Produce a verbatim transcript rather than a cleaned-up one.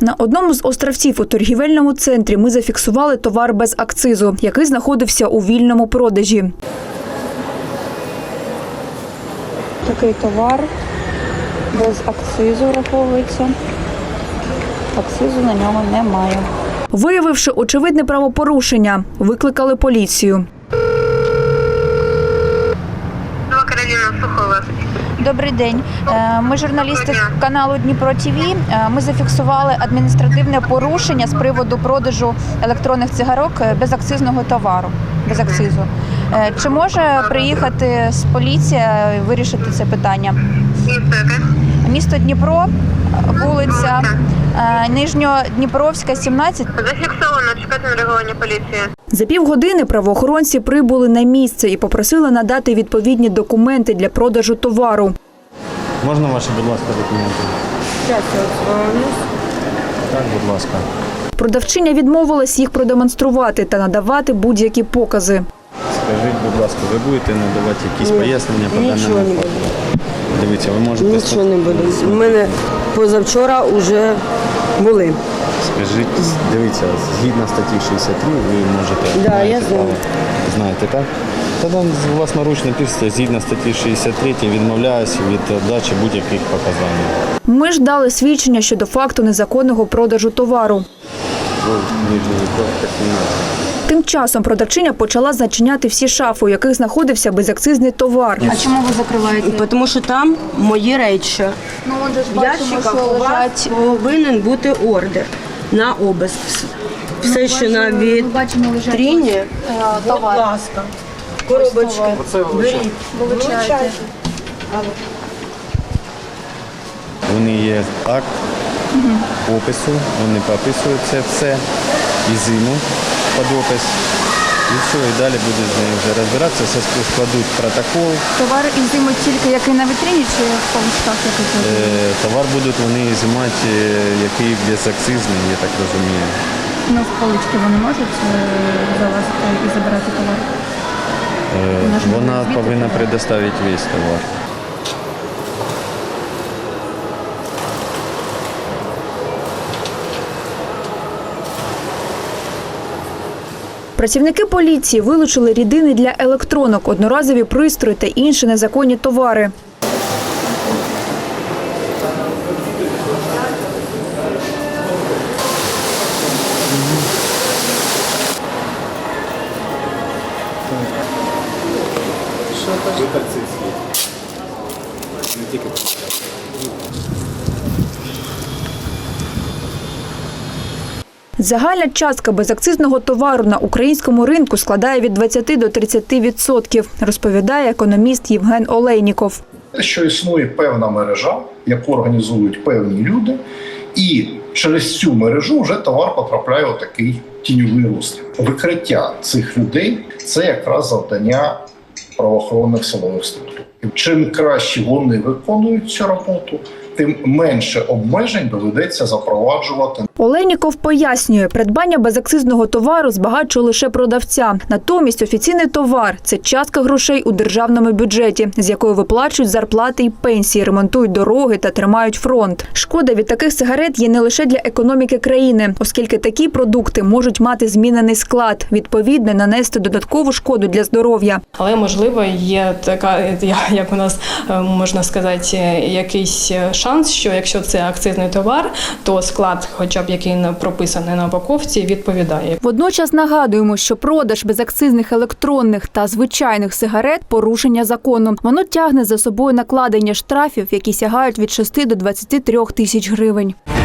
На одному з островців у торгівельному центрі ми зафіксували товар без акцизу, який знаходився у вільному продажі. Такий товар без акцизу враховується. Акцизу на ньому немає. Виявивши очевидне правопорушення, викликали поліцію. Добрий день. Ми журналісти каналу Дніпро ТВ. Ми зафіксували адміністративне порушення з приводу продажу електронних цигарок безакцизного товару. Без акцизу. Чи може приїхати з поліція і вирішити це питання? Місто Дніпро, вулиця Нижньодніпровська, сімнадцять. Зафіксовано, чекати на реагування поліції. За півгодини правоохоронці прибули на місце і попросили надати відповідні документи для продажу товару. Можна ваші, будь ласка, документи? Зараз я озвонюсь. Так, будь ласка. Продавчиня відмовилась їх продемонструвати та надавати будь-які покази. Скажіть, будь ласка, ви будете надавати якісь Ні, пояснення по даному нічого не факту? буду. Дивіться, ви можете... Нічого не буде. У мене позавчора вже були. Скажіть, дивіться, згідно статті шістдесят три ви можете... Да, я маєте знаю. право. Знаєте, так? Тоді власноручно пишете, згідно статті шістдесят три відмовляюся від дачі будь-яких показань. Ми ж дали свідчення щодо факту незаконного продажу товару. Ви Нижньої Кровки, сімнадцять. Тим часом продавчиня почала зачиняти всі шафи, у яких знаходився безакцизний товар. А чому ви закриваєте? Тому що там мої речі. Ну, отже ж В ящиках у вас повинен бути ордер на обиск. Все, що на вітріні, будь ласка, коробочки. Беріть. Вилучаєте. Вони є акт опису, вони пописують це все, і зиму під опис. І все, і далі будуть з нею вже розбиратися, все складуть протокол. Товар ізимуть тільки який на вітрині чи в поличках який? Е, Товар будуть вони ізимати, е, який безакцизний, я так розумію. Ну, в полички вони можуть е, залазити і забирати товар? Е, Вона повинна предоставити весь товар. Працівники поліції вилучили рідини для електронок, одноразові пристрої та інші незаконні товари. Загальна частка безакцизного товару на українському ринку складає від двадцяти до тридцяти відсотків, розповідає економіст Євген Олейніков. Те, що існує певна мережа, яку організують певні люди, і через цю мережу вже товар потрапляє у такий тіньовий розстріл. Викриття цих людей – це якраз завдання правоохоронних силових структур. Чим краще вони виконують цю роботу, тим менше обмежень доведеться запроваджувати. Олейніков пояснює, придбання безакцизного товару збагачує лише продавця. Натомість офіційний товар – це частка грошей у державному бюджеті, з якої виплачують зарплати і пенсії, ремонтують дороги та тримають фронт. Шкода від таких сигарет є не лише для економіки країни, оскільки такі продукти можуть мати змінений склад, відповідно нанести додаткову шкоду для здоров'я. Але, можливо, є така, як у нас можна сказати, якийсь шанс, що якщо це акцизний товар, то склад, хоча б який прописаний на упаковці, відповідає. Водночас нагадуємо, що продаж безакцизних електронних та звичайних сигарет – порушення закону. Воно тягне за собою накладення штрафів, які сягають від шести до двадцяти трьох тисяч гривень.